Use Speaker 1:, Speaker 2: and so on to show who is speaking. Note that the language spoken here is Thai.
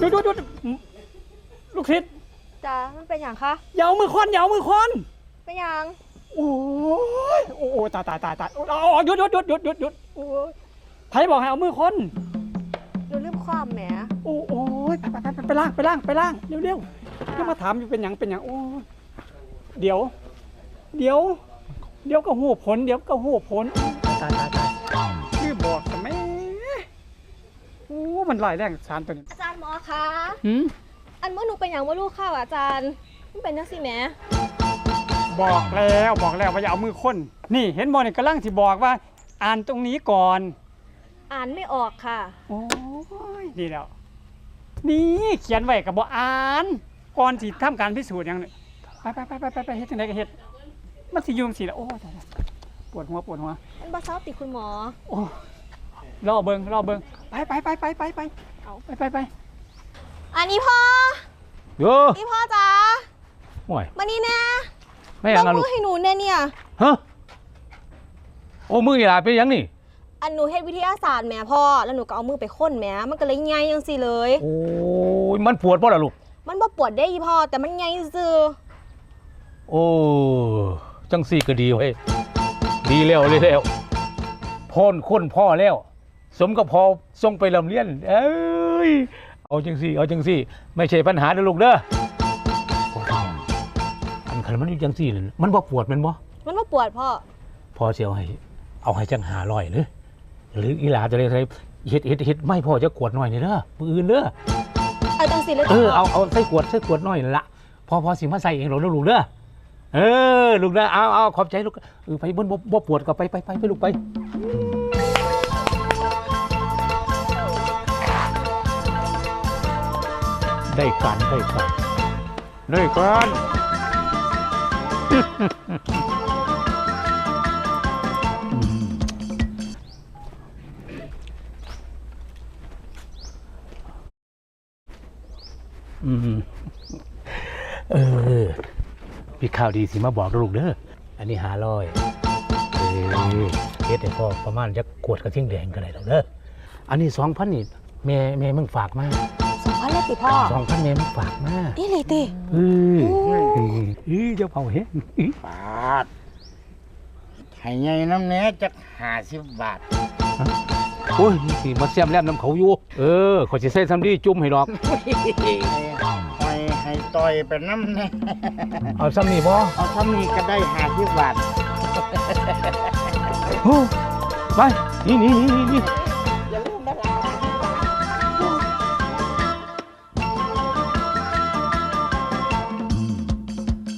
Speaker 1: ยุดลูกศิษย์
Speaker 2: จ้ามันเป็นอย่างคะ
Speaker 1: อย่าเอามือค้อน
Speaker 2: เป็นอย่าง
Speaker 1: โอ้ตายหยุดโอ้ยไผบอกให้เอามือค้น
Speaker 2: หนูลืมความแหม
Speaker 1: โอ้ยไปล้างเร็วจะมาถามอยู่เป็นอย่างโอ้เดี๋ยวก็หูผลตายชื่อบอกแต่ไม่โอ้มันลายแรงสารตัวนี้
Speaker 2: อาจารย์หมอคะอันเมื่อหนูเป็นอย่างว่าลูกข้าวอาจารย์มันเป็นนักสิแม่
Speaker 1: บอกแล้วว่าอย่าเอามือค้นนี่เห็นบอลนี่กำลังสิบอกว่าอ่านตรงนี้ก่อน
Speaker 2: อ่านไม่ออกค่ะ
Speaker 1: โอ้ยนี่แล้วนี่เขียนไว้กับบ่อ่านก่อนสิทำการพิสูจน์อย่างนี้ไปเฮ็ดจังได๋ก็เฮ็ดมันสิอยู่จังซี่ล่ะโอ้ยปวดหัว
Speaker 2: มันบ่เซาติคุณหมอ
Speaker 1: โอ้รอเบิ่งไปเอาไป
Speaker 2: อันนี้พ่อ
Speaker 3: โย
Speaker 2: นี่พ่อจ๋า
Speaker 3: โอ้ย
Speaker 2: มานี่แน่
Speaker 3: ไม่ยัง
Speaker 2: ลูกให้หนูเนี่ย
Speaker 3: ฮะโอ้มืออีหลาเป็นยังนี่
Speaker 2: อันหนูเฮ็ดวิทยาศาสตร์แม่พ่อแล้วหนูก็เอามือไปค้นแม่มันก็เลยใหญ่จังซี่เลย
Speaker 3: โอ้ยมันปวดบ่ล่ะลูก
Speaker 2: มันบ่ปวดได้พ่อแต่มันใหญ่ซื่อ
Speaker 3: โอ้จังซี่ก็ดีเว้ยดีแล้วพ่นค้นพ่อแล้วสมกับพอส่งไปลำเลียนเอ้ยเอาจังซี่ไม่ใช่ปัญหาเด้อลูกเด้ออันคันมันอยู่จังซี่นั่นมันบ่ปวดมันบ่
Speaker 2: ปวดพ่อ
Speaker 3: สิเอาให้จัง500หรืออีหลาจะได้เฮ็ดไม่พอจะขวดหน่อยนี่เด้อมื้ออื่นเด้อ
Speaker 2: เอาจังซี่เลย
Speaker 3: เอาใส่ขวดหน่อยนั่นล่ะพอสิมาใส่เองหรอกลูกเด้อลูกนะเอาขอบใจลูกไปบนบ่ปวดก็ไปลูกไปได้การพี่ข่าวดีสิมาบอกลูกเด้ออันนี้500เฮ็ดให้พ่อประมาณจะขวดกระทิ่งแดงก็ได้แล้วเด้ออันนี้ 2,000 นี่แม่มึงฝากมา
Speaker 2: 2,000เลยติพ่อ
Speaker 3: 2,000แม่มึงฝากมา
Speaker 2: นี่เลยติ
Speaker 3: เจ้าเผาเฮ็ด
Speaker 4: บาทให้ใหญ่น้ำแหน่จัก50 บาท
Speaker 3: โอ้ยสิมาแซมแลมน้ำเขาอยู่ขอสิใส่ซ้ำดีจุ่มให้ดอก
Speaker 4: ให้ต่อยไปน้ำแน่
Speaker 3: เอาซ้ำนี่บ่
Speaker 4: เอาซ้ำนี่ก็ได้50 บาท
Speaker 3: ไปนี่